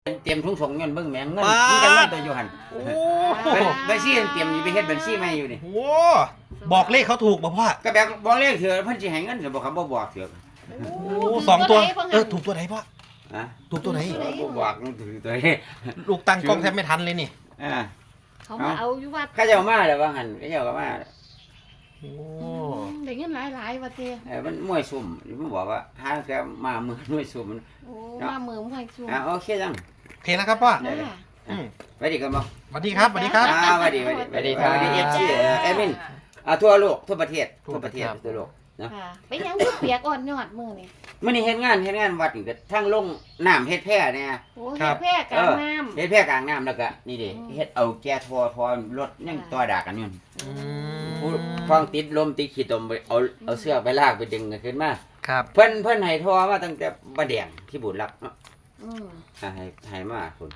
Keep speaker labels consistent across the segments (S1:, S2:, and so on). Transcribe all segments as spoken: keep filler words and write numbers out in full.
S1: เตรียมทุ่งส่งเงินเบิ่งแหมงเงินมีจังเงินตัวอยู่หั่น
S2: โอ้
S1: บัญชีเตรียมอยู่ไปเฮ็ดบัญชีใหม่อยู่นี่
S2: โหบอกเลขเขาถูกบ่พ่อ
S1: ก็แบบบ่เลขเถือะเพิ่นสิให้เงินก็บ่ครับบ่บอกเถือะ
S2: โอ้สองตัวเออถูกตัวไหนพ่อ
S1: ฮะ
S2: ถูกตัวไหน
S1: บ่บอกมันถือตัวนี้
S2: ลูกตั้งกล้องแทบไม่ทันเลยนี่
S1: อ่า
S3: เขามาเอาอยู่วัด
S1: เขาเจ้ามาแล้วว่าหั่นเขาเจ้าก็มา
S2: โอ้
S3: ได้เงินหลายๆว่าเต้
S1: เออมันมวยซุ่มมันบอกว่าหาแกมามือมวยซุ่มมัน
S3: โอ้มาเมืองไผซุ่ม
S1: อ่าโอเคจัง
S2: โอเคแล้วครับพ่อ
S3: จ้า
S2: อืม
S1: ไว้ดีกันบ่
S2: สวัสดีครับสวัสดีครับ
S1: อ่าไว้ดีไว้ดีไว้ดีไว้ดี เอฟ ซี เอ่อแอดมินอ่าทั่วโลกทั่วประเทศทั่วประเทศทั่วโลกเนาะ
S3: ค่ะไปยังคือเปียกอ่อนยอดมื้อนี่
S1: มื้อนี้เฮ็ดงานเฮ็ดงานวัดนี่ก็ทั้งลงน้ำเฮ็ดแพร่เนี่ย
S3: โอ้เฮ็ดแพร่กลางน้ำ
S1: เฮ็ดแพร่กลางน้ำแล้วก็นี่ดิ
S3: อืม
S1: เฮ็ดเอาแก่ทอทอรถยัง
S3: ค่ะ
S1: ต่อดากันอยู่
S2: อื
S1: ผู้
S2: ม
S1: ฟังติดลมติดขี้ตมไปเอาเอาเสื้อไปลากไปดึงกันขึ้นมา
S2: ครับ
S1: เพิ่นเพิ่นให้ทอมาตั้งแต่บ่แดงที่บุญรักเนาะ
S3: อืม
S1: อ่าให้ให้มาคุณ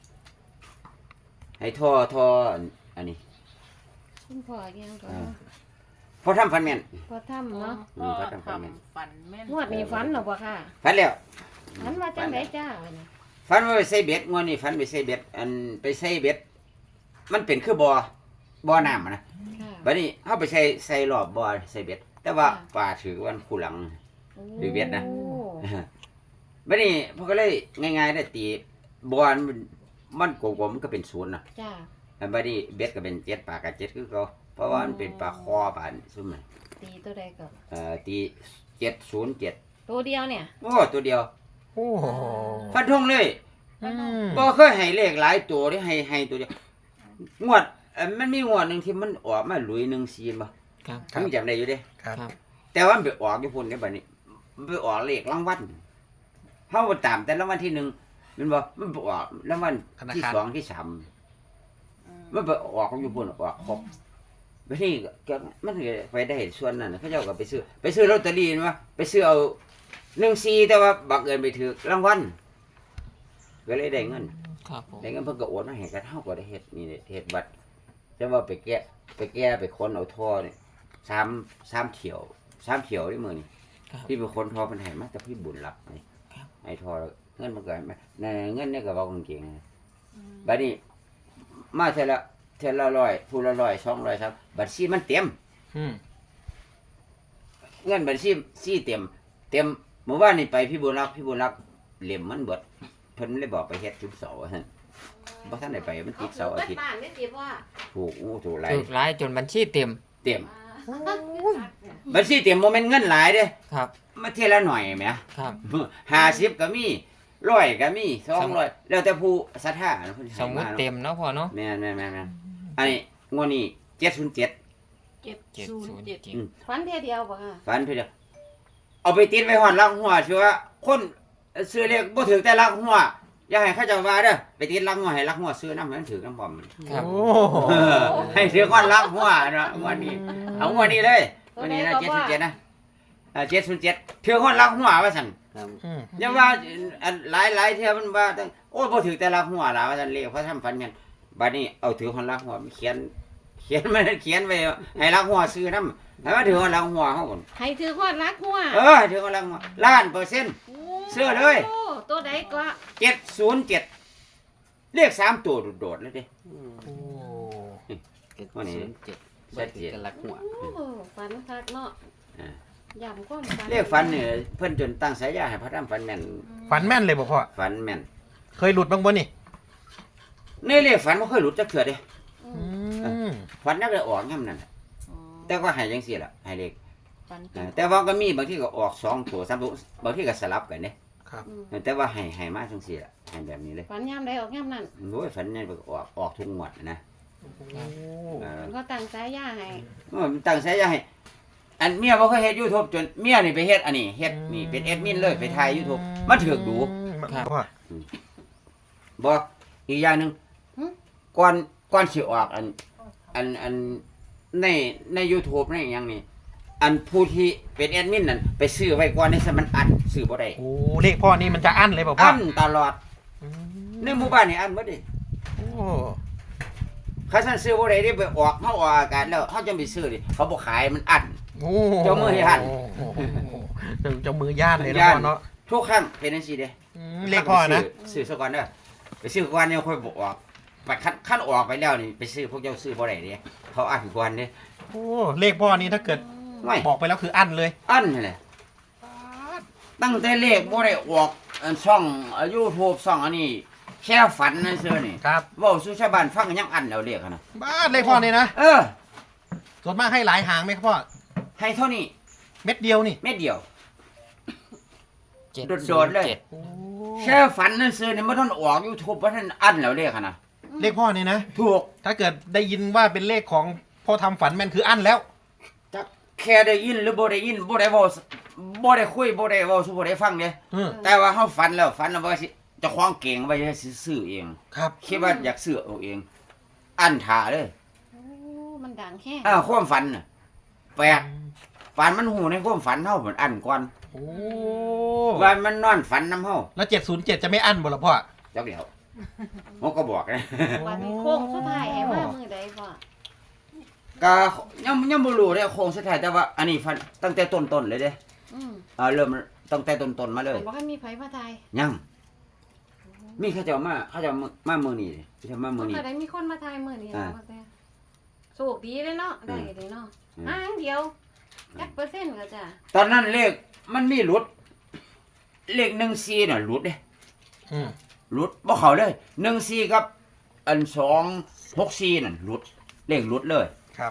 S1: ให้ทอทออันนี้
S3: คุณพ่อยังก็
S1: อ่า พอทำฟันแม่น
S3: พอทำเนาะ
S1: อืมพอทำฟันแม่น
S4: ฝันแม่น
S3: งวดนี้ฝันหรอบ่ค่ะ
S1: ฟันแล้ว
S3: ฝันว่าจังไดจ้าวันนี้
S1: ฟันว่าไปใส่เบ็ดงวดนี้ฟันไปใส่เบ็ดอันไปใส่เบ็ดมันเป็นคือบ่อบ่อน้ำอะนะ
S3: ค่ะ
S1: บัดนี้เฮาไปใส่ใส่รอบบ่อใส่เบ็ด แต่ว่า
S3: ค่ะ
S1: ปลาถือวันคู่หลัง หรือเวียดนะ
S3: โอ้
S1: บัดนี้พวกก็เลยง่ายๆได้ตีบ่อมันมันกลมๆมันก็เป็นศูนย์น่ะ
S3: จ้า
S1: แล้วบัดนี้เบ็ดก็เป็นเจ็ดปลาก็เจ็ดคือเก่าเพราะว่ามันเป็นปลาคอปลาซุ่มน่ะ
S3: ตีตัวใดก็
S1: เอ่อตีเจ็ดศูนย์เจ็ด
S3: ตัวเดียวเนี่ย
S1: โอ้ตัวเดียว
S2: โอ้โห
S1: ฟันธงเลย
S2: อืม
S1: บ่เคยให้เลขหลายตัวที่ให้ให้ตัวเดียวงวดเอ่อมันมีงวดหนึงที่มันออกมาหลุยหนึ่งซีนบ่
S5: ครับ
S2: ครับ
S1: มึงจำได้อยู่เด้
S2: ครับ
S5: ครับ
S1: แต่ว่ามันไปออกอยู่พุ่นได้บัดนี้มันไปออกเลขรางวัลเฮาบ่ตามแต่รางวัลที่หนึ่งแมันบ่มันไปออกรางวัลที่สองที่สามมันไปออกอยู่พุ่นออกครบบัดนี้ก็มันก็ไปได้ส่วนนั้นน่ะเขาเจ้าก็ไปซื้อไปซื้อลอตเตอรี่มาไปซื้อเอาหนึ่งซีแต่ว่าบังเอิญไปถูกรางวัลก็เลยได้เงิน
S5: ครับผม
S1: ได้เงินเพิ่นก็โอนมาให้กันเฮาก็ได้เฮ็ดนี่เฮ็ดบัตรแต่ว่าไปแก้ไปแก้ไปค้นเอาท่อนี่สามสามเที่ยวสามเที่ยวนี่มื้อนี่
S5: ครับ
S1: ที่ไปค้นท่อเพิ่นให้มาแต่พี่บุญรับนี่
S5: ครับ
S1: ให้ท่อแล้วเงินมันก็ให้มานั่นเงินนี่ก็เว้ากางเกงนะบัดนี้มาเท่าละเท่าละร้อยผู้ละร้อยสองร้อยครับบัญชีมันเต็ม
S2: อืม
S1: เงินบัญชีซีเต็ม เต็มเมื่อวานนี่ไปพี่บุญรักพี่บุญรักเหลี่ยมมันเบิดเพิ่นเลยบอกไปเฮ็ดทุกเสาร์ว่าซั่นบ่ทันได้ไปมันติดเสาร์อาทิตย์
S3: บ้านไม่ติดว่า
S1: ถูกอู้ถูกหลาย
S5: ถูกร้ายจนบัญชีเต็ม
S1: เต็มบัญชีเต็มบ่แม่นเงินหลายเด้
S5: ครับ
S1: มาเทยละหน่อยแหม
S5: ครับ
S1: ห้าสิบก็มีร้อยก็มีสองร้อยแล้วแต่ผู้ศรัทธาเนาะเพิ่น
S5: ส
S1: ให้
S5: มมุติ
S1: า
S5: เต็มเนาะพ่อเนาะ
S1: แม่นแม่นแม่นแม่นอันนี้งวดนี้เจ็ดศูนย์เจ็ด
S4: เจ็ด
S5: เจ็ด
S4: ศูน
S5: ศู
S4: ย์
S5: นย์
S4: เจ็ด
S5: เจ็ด
S3: ฝันเทียเดียวบ่ค่ะ
S1: ฝันเพิ่นเด้อเอาไปติดไว้ฮอดหลังหัวชัวร์คนซื้อเลขบ่ถึงแต่หลังหัวอย่าให้เขาเจ้าว่าเด้อไปติดหลังหัวให้หลังหัวซื้อนำให้มันถึงนำพร้อม
S5: ครับ
S2: โอ้โห
S1: เออให้ถือก้อนหลังหัวเนาะงวดนี้เอางวดนี้เลยงวดนี้นะเจ็ดศูนย์เจ็ดนะอ่าเจ็ดศูนย์เจ็ดถือก้อนหลังหัวว่าซั่น
S2: อืม
S1: อย่าว่าอันหลายหลายเที่ยมันว่าตั้งโอ้บ่ถือแต่ละหัวล่ะว่าซั่นเลขเพราะทำฟันกันบัดนี้เอาถือคนละหัวมันเขียน เขียนมันเขียนไว้ให้ละหัวซื้อนำให้ว่าถือคนละหัวเฮาก่อน
S3: ให้ถือฮอดรักหัว
S1: เออถือคนละหัวล้านเปอร์เซ็นต์ เสื้อเลย
S3: โอ้ตัวใดก็
S1: เจ็ดศูนย์เจ็ดเลขสามตัวโดดๆเลยเด้
S2: โอ้
S5: เจ็ด
S1: วันนี้
S5: ศูนย์เจ็ด
S1: ชัดเจน
S5: กันลักหัว
S3: โอ้ฝันคักเนาะ
S1: อ่า
S3: ย่ำความฝัน
S1: เลขฝันเนี่ยเพิ่นจนตั้งฉายาให้พระธรรมฝันแม่น
S2: ฝันแม่นเลยบ่พ่อ
S1: ฝันแม่น
S2: เคยหลุดบ้างบ่นี่
S1: ในเลขฝันบ่เคยหลุดจักเทื่อเด้
S3: อื
S2: อื
S3: ม
S2: ม
S1: ฝันนักได้ออกย่ำนั่นน่ะ
S3: อ๋อ
S1: แต่ก็ให้จังซี่ล่ะให้เลข
S3: ฝันเป็
S1: อ่าน แต่ว่าก็มีบางทีก็ออกสองตัวสามตัวบางทีก็สลับกันเด้
S2: ครับ
S3: อืม
S1: แต่ว่าให้ให้มาจังซี่ล่ะให้แบบนี้เลย
S3: ฝันย่ำใดออกย่ำนั่น
S1: โอ้ยฝันเนี่ยออกออกทุกงวดนะ
S2: โอ้
S1: เออ
S3: ก็ตั้งสายยาให้
S1: มันตั้งฉายาให้อันเมียบ่เคยเฮ็ด YouTube จนเมียนี่ไปเฮ็ดอันนี้เฮ็ดนี่เป็นแอดมินเลยไปถ่าย YouTube มันถูกดู
S2: ครับพ่อ
S1: บ่อีกอย่างหนึงก่อนก่อนสิออกอันอันอันในใน YouTube ในหยังนี่อันผู้ที่เป็นแอดมินนั่นไปซื้อไว้ก่อนนี่ซะมันอันซื้อบ่ได้
S2: โอ้เลขพ่อนี่มันจะอั้นเลยบ่พ่อ
S1: อันตลอด
S2: อืม
S1: ในหมู่บ้านนี่อันบ่ได้
S2: โอ้
S1: เขาสั่นซื้อบ่ได้เด้ไปออกเฮาออกอากาศแล้วเฮาจะไปซื้อดิเขาบ่ขายมันอัน
S2: โอ้
S1: เจ้ามือย่าน
S2: โอ้โหเจ้ามือย่านเลยนะ
S1: ย่าน
S2: พ่อเนาะ
S1: ทุกครั้งเป็นจังซี่เด้
S2: อืมเลขพ่อนะ
S1: ซื้อซื้อซะก่อนเด้อไปซื้อก่อนเนี่ยค่อยบอกออกไปคันคันออกไปแล้วนี่ไปซื้อพวกเจ้าซื้อบ่ได้เด้เขาอ่านก่อนเด้
S2: โอ้เลขพ่อนี่ถ้าเกิด
S1: ไม่
S2: บอกไปแล้วคืออั้นเลย
S1: อันนี่แหละตั้งแต่เลขบ่ได้ออกอันช่อง YouTube ช่องอันนี้แค่ฝันนั่นเซื่อนี่
S2: ครับ
S1: เว้าสู่ชาวบ้านฟังยังอันแล้วเลขอะนะ
S2: บ้าเลขพ่อนี่นะ
S1: เออ
S2: ส่วนมากให้หลายหางไหมครับพ่อ
S1: ให้เท่านี้
S2: เม็ดเดียวนี่
S1: เม็ดเดียว
S5: เจ็ด
S1: โดดๆเลย
S5: จ็
S2: โอ้
S1: แค่ฝันนั่นเซื่อนี่บ่ทันออก YouTube บ่ทันอันแล้วเลขอะนะ
S2: เลขพ่อนี่นะ
S1: ถูก
S2: ถ้าเกิดได้ยินว่าเป็นเลขของพ่อทำฝันแม่นคืออั้นแล้ว
S1: จักแค่ได้ยินหรือบ่ได้ยินบ่ได้เว้าบ่ได้คุยบ่ได้เว้าสู่บ่ได้ฟังเด้
S2: อืม
S1: แต่ว่าเฮาฝันแล้วฝันแล้วว่าสิเจ้าของเก่งไว้จะสิซื้อเอง
S2: ครับ
S1: คิดว่าอยากซื้อเอาเอง อันท่าเลย
S3: โอ้มันดังแค่
S1: อ้าวความฝันน่ะแปลกฝันมันหูในความฝันเฮาเหมือนอันก่อน
S2: โอ้
S1: ว่ามันนอนฝันนํเฮา
S2: แล้วเจ็ดศูนย์เจ็ดจะไม่อั้นบ่ล่ะพ่อ
S1: จักเดียวผมก็บอกนะ
S3: วันนี้โค้งสุดท้ายให้มามือใดพ่อ
S1: ก็ยังยังบ่รู้เด้โครงสุดท้ายแต่ว่าอันนี้ฝันตั้งแต่ต้นๆเลยเด้
S3: อืม
S1: อ่าเริ่มตั้งแต่ต้นๆมาเลย
S3: บอกให้มีไผมาทาย
S1: ยังมีเขาเจ้ามาเขาเจ้ามามามื้อนี้เขาเจ้ามามื้อนี้
S3: ก็ได้มีคนมาทายมือนี้
S1: อ่า
S3: แล้วแต่โชคดีเลยเนาะได้เลยเนาะ
S1: อืม
S3: อ่างเดียวจักเปอร์เซ็นต์ก็จ้ะ
S1: ตอนนั้นเลขมันมีหลุด เลขหนึ่งสี่น่ะหลุดเด้
S2: อืม
S1: หลุดบ่เข้าเลยหนึ่งสี่กับ อันสองหกสี่นั่นหลุด เลขหลุดเลย
S2: ครับ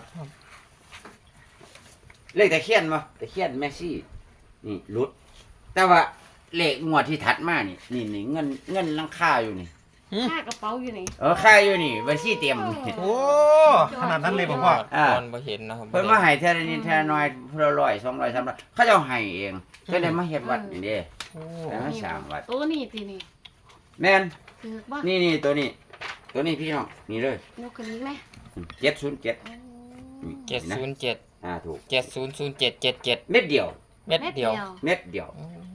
S1: เลขตะเคียนมาตะเคียนแมซี่นี่หลุด แต่ว่าเลขงวดที่ถัดมานี่นี่นี่เงินเงินลังค่าอยู่นี่
S3: ค่ากระเป๋าอยู่นี่
S1: เออค่าอยู่นี่บัญชีเต็มนี่
S2: โอ้ขนาดนั้นเลยบอกพ่อ
S1: อ่า
S5: ตอนบ่เห็นนะครับ
S1: เพิ่นมาให้เท่านี้เท่าน้อยเพิ่นละร้อยสองร้อยสามร้อยเขาเจ้าให้เองก็เลยมาเฮ็ดวัดนี่เด้
S2: โอ้
S1: แต่มาสร้างวัด
S3: ตัวนี้ตีนี่
S1: แม่น
S3: ถือบ่
S1: นี่นี่ตัวนี้ ตัวนี้พี่น้องนี่เลย
S3: ยกขึ้นอีกไหม
S1: เจ็ดศูนย์เจ็ด
S5: เจ็ดศูนย์เจ็ด
S1: อ่าถูก
S5: เจ็ดศูนย์ศูนย์เจ็ดเจ็ดเจ็ด
S1: เม็ดเดียว
S5: เม็ดเดียว
S1: เม็ดเดียว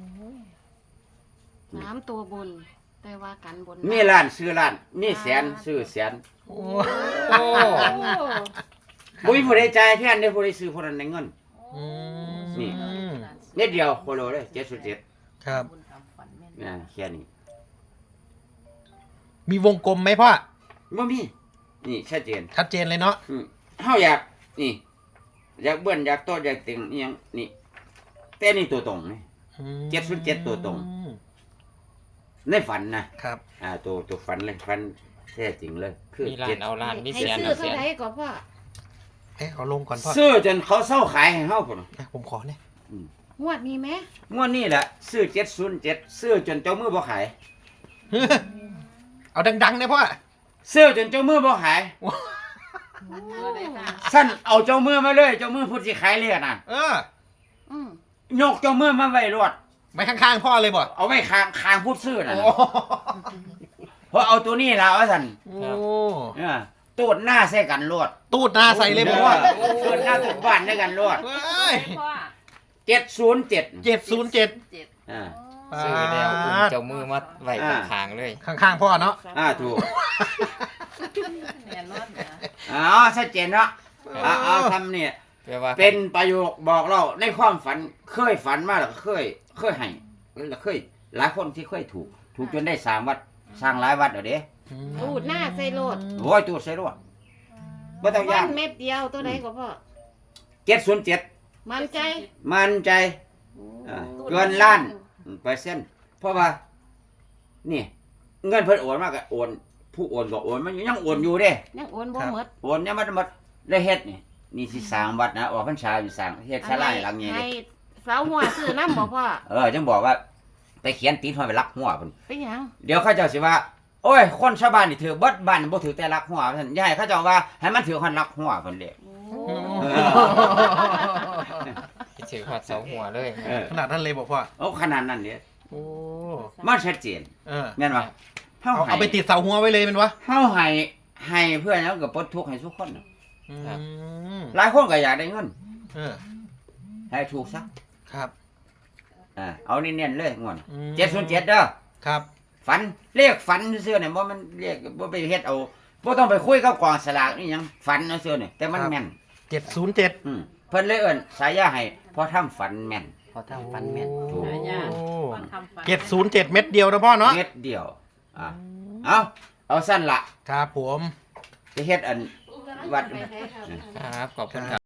S3: สามตัวบน แต่ว่ากันบน
S1: มีร้านซื้อร้านมีแสนซื้อแสน
S2: โอ้
S5: โอ้
S1: บ่มีผู้ใดจ่ายแทนได้ผู้ใดซื้อผู้นั้นได้เงิน
S2: อืม
S1: นี่ เม็ดเดียวโคโลเลยเจ็ดศูนย์เจ็ด
S2: ครับ
S1: อ่าแค่นี้
S2: มีวงกลมไหมพ่อ
S1: บ่มีนี่ชัดเจน
S2: ชัดเจนเลยเนาะ
S1: อืมเฮาอยากนี่ อยากเบิ้นอยากโตอยากติงอีหยังนี่แต่นี่ตัวตรงนี่
S2: อืม
S1: เจ็ดศูนย์เจ็ดตัวตรง ในฝันนะครับ อ่าตัวตัวฝันเลยฝันแท้จริงเลย คือ
S5: มีร้า
S1: เจ็
S5: น
S1: ด
S5: เอาร้านมี
S3: ให้
S5: เสียน
S3: ซื้อ
S5: เอา
S3: เท่า
S5: เสียน
S3: ไหร่ก็พ่อ
S2: เอ๊ะเอาลงก่อนพ่อ
S1: ซื้อจนเขาเศร้าขายให้เฮาพุ่น
S2: อ่ะผมขอเนี่ย
S3: งวดนี้ไหม
S1: งวดนี้แหละซื้อเจ็ดศูนย์เจ็ดซื้อจนเจ้ามือบ่ขาย
S2: เอาดังๆนะพ่อ
S1: ซื้อจนเจ้ามือบ่ขาย
S3: โอ้
S1: สั้นเอาเจ้ามือมาเลย เจ้ามือพูดสิขายเลยน่ะ
S2: เออ
S3: อืม
S1: ยกเจ้ามือมาไว้รวด
S2: ไว้ข้างๆพ่อเลยบ่
S1: เอาไว้คางคางพูดซื้อน่ะ
S2: โอ้
S1: เพราะเอาตัวนี้ล่ะว่าซั่น
S2: โอ้
S1: เออตูดหน้าใส่กันรวด
S2: ตูดหน้าใส่เลยบอกว่า
S1: ตูดหน้าตูดบ้านด้วยกันรวด
S2: เฮ้ย
S1: เจ็ดศูนย์เจ็ด
S2: เจ็ดศูนย์เจ็ด
S1: อ่า
S5: ซื้อแล้วอุ้มเจ้ามือมาไว้ข้างๆเลย
S2: ข้างๆพ่อเนาะ
S1: อ่าถูก
S4: แน่นอนนะ
S1: อ๋อชัดเจนเนาะเอาเอาทำเนี่ย
S5: แปลว่า
S1: เป็นประโยคบอกเราในความฝันเคยฝันมาแล้วก็เคย เคยให้แล้วเคย หลายคนที่เคยถูก ถูกจนได้สร้างวัดสร้างหลายวัดเดี๋ยวเด้
S3: ตูดหน้าใส่โลด
S1: โอ้ยตูดใส่รวดบ่ต้อง
S3: วั
S1: ยาก
S3: นเม็ดเดียวตัวใดก็พ่อ
S1: เจ็ดศูนย์เจ็ด
S3: มันใจ
S1: มั่นใจ อ่าเกินล้านเปอร์เซ็นต์เพราะว่า นี่ เงินเพิ่นโอนมากก็โอน ผู้โอนก็โอนมันยังโอนอยู่เด้
S3: ยังโอนบ่หมด
S1: โอนยังมันหมดได้เฮ็ดนี่นี่สิสร้างวัดนะออกพรรษาอยู่สร้างเฮ็ดศาลาให้หลังใหญ่
S3: ให้
S1: เลย
S3: สาวหัวซื้อน้ำบ่พ่อ
S1: เออจังบอกว่า ไปเขียนติดหัวไปลักหัวเพิ่น
S3: เป็นหยัง
S1: เดี๋ยวเขาเจ้าสิว่า โอ้ย คนชาวบ้านนี่ถือเบิดบ้านบ่ถือแต่ลักหัวเพิ่นอย่าให้เขาเจ้าว่าให้มันถือคนลักหัวเพิ่นเด้
S3: โอ้
S5: ถือขอดเสาหัวเลย
S1: เออ
S2: ขนาดนั้นเลยบอกพ่อ
S1: เอาขนาดนั้นเด้
S2: โอ้
S1: มันชัดเจน
S2: เออ
S1: แม่นบ่เฮา
S2: เอา
S1: ให้
S2: เอาไปติดเสาหัวไว้เลยเป็นวะ
S1: เฮาให้ให้เพื่อนแล้วก็ปลดทุกข์ให้ทุกคนน่ะ
S2: อืม
S1: หลายคนก็อยากได้เงิน
S2: เออ
S1: ให้ถูกซะ
S2: ครับ
S1: อ่าเอานี่เน้นเลยงวด
S2: อืม
S1: เจ็ดศูนย์เจ็ดเด้อ
S2: ครับ
S1: ฝันเลขฝันซื่อๆเนี่ยบ่มันเลขบ่ไปเฮ็ดเอาบ่ต้องไปคุยกับกองสลากนี่หยังฝันซื่อๆเนี่ยแต่มันแม่น
S2: เจ็ดศูนย์เจ็ด
S1: อืมเพิ่นเลยเอิ้นฉายาให้พอทำฝันแม่น
S4: พอทำฟันแม่น
S1: ถูก
S4: หายาก
S2: โอ้
S4: ฟันทำฟัน
S2: เจ็ดศูนย์เจ็ดเม็ดเดียวนะพ่อเนาะ
S1: เม็ดเดียวอ่าเอาเอาสั้นละ
S2: ครับผม
S1: จะเฮ็ดอันวัด
S3: ไปไทยครับ
S5: ครับขอบคุณครับ